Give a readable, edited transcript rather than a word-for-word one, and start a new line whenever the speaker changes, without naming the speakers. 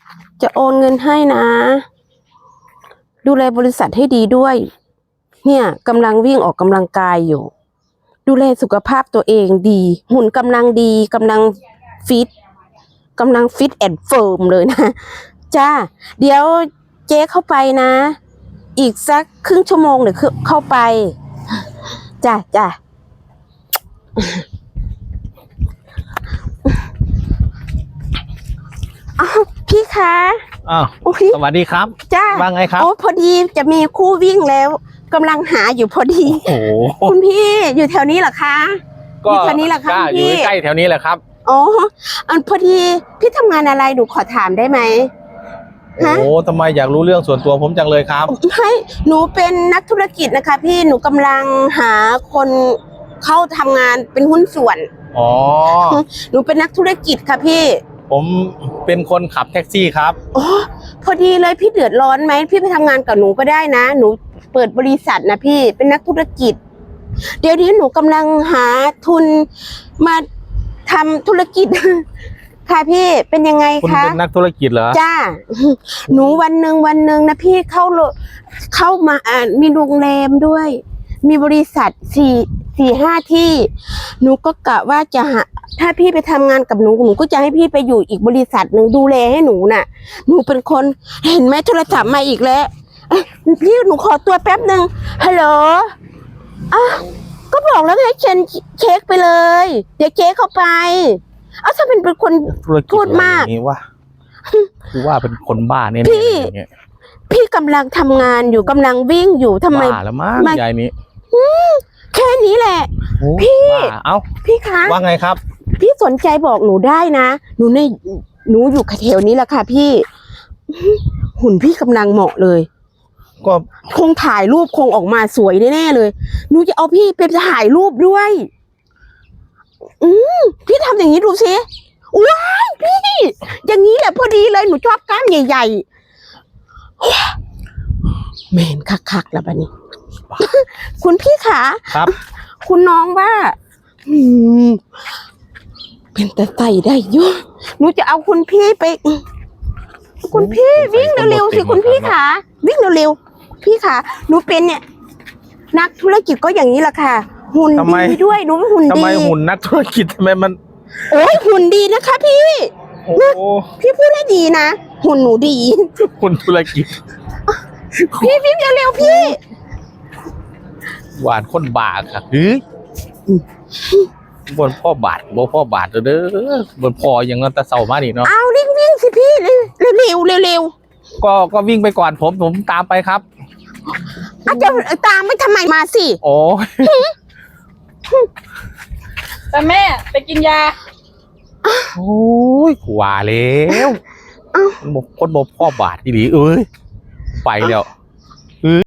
จะโอนเงินให้นะดูแลบริษัทให้ดีด้วยเนี่ยกำลังวิ่งออกกำลังกายอยู่ดูแลสุขภาพตัวเองดีหุ่นกำลังดีกำลังฟิตแอนด์เฟิร์มเลยนะจ้าเดี๋ยวเจ๊เข้าไปนะอีกสักครึ่งชั่วโมงเดี๋ยวเข้าไปจ้าอ้าวพี่คะ
อ้าวสวัสดีครับ
จ้า
ว่าไงครับ
โอ้พอดีจะมีคู่วิ่งแล้วกำลังหาอยู่พอดี
โอ้โห
คุณพี่อยู่แถวนี้เหรอคะอยู่แถวนี้เหรอคะ
อยู่ใกล้แถวนี้แหละครับ
อ๋อพอดีพี่ทำงานอะไรหนูขอถามได้ไหม
โอ้ทำไมอยากรู้เรื่องส่วนตัวผมจังเลยครับ
ไม่หนูเป็นนักธุรกิจนะคะพี่หนูกำลังหาคนเข้าทำงานเป็นหุ้นส่วน
อ๋อ
หนูเป็นนักธุรกิจค่ะพี่
ผมเป็นคนขับแท็กซี่ครับ
อ๋อพอดีเลยพี่เดือดร้อนไหมพี่ไปทำงานกับหนูก็ได้นะหนูเปิดบริษัทนะพี่เป็นนักธุรกิจเดี๋ยวนี้หนูกำลังหาทุนมาทำธุรกิจค่ะพี่เป็นยังไงคะ
คุณเป็นนักธุรกิจเหรอ
จ้าหนูวันหนึ่งนะพี่เข้ามามีโรงแรมด้วยมีบริษัท4-5ที่หนูก็กะว่าจะหาถ้าพี่ไปทำงานกับหนูก็จะให้พี่ไปอยู่อีกบริษัทหนึ่งดูแลให้หนูน่ะหนูเป็นคนเห็นไหมโทรศัพท์มาอีกแล้วพี่หนูขอตัวแป๊บหนึ่งฮัลโหลก็บอกแล้วให้เช็คไปเลยเดี๋ยวเจ๊เข้าไปถ้าเป็นคนพูดมาก
นี่ว่าคือว่าเป็นคนบ้าเนี่ย
พี่กำลังทำงานอยู่กำลังวิ่งอยู่ทำไม
บ้าแล้วมั้งยายนี้
แค่นี้แหละพี่พี่คะ
ว่าไงครับ
พี่สนใจบอกหนูได้นะหนูอยู่แถวนี้แหละค่ะพี่หุ่นพี่กำลังเหมาะเลย
ก็
คงถ่ายรูปคงออกมาสวยแน่ๆเลยหนูจะเอาพี่ไปถ่ายรูปด้วยพี่ทำอย่างนี้ดูสิว้ายพี่อย่างนี้แหละพอดีเลยหนูชอบกล้ามใหญ่ๆแมนคักๆแล้วบัดนี้คุณพี่ขา
ครับ
คุณน้องว่าเป็นแต่ใส่ได้เยอะหนูจะเอาคุณพี่ไปคุณพี่วิ่งเร็วๆสิคุณพี่ขาวิ่งเร็วๆพี่ขาหนูเป็นเนี่ยนักธุรกิจก็อย่างนี้แหละค่ะหุ่นดีด้วยหนูหุ่นดี
ทำไมหุ่นนักธุรกิจทำไมมัน
โอ้ยหุ่นดีนะคะพี่พี่พูดได้ดีนะหุ่นหนูดี
หุ่นธุรกิจ
พี่วิ่งเร็วๆพี่
หวานคนบาค่ะบนพ่อบาทเด้อบนพออย่างนั้นแต่เศร้ามากดิเนาะ
เอาวิ่งสิพี่เร็ว
ก็วิ่งไปก่อนผมตามไปครับ
จะตามไม่ทำไมมาสิ
โอ้
แต่แม่ไปกินยา
โอ้ยว่าแล้วคนบอกพ่อบาทดีไปแล้ว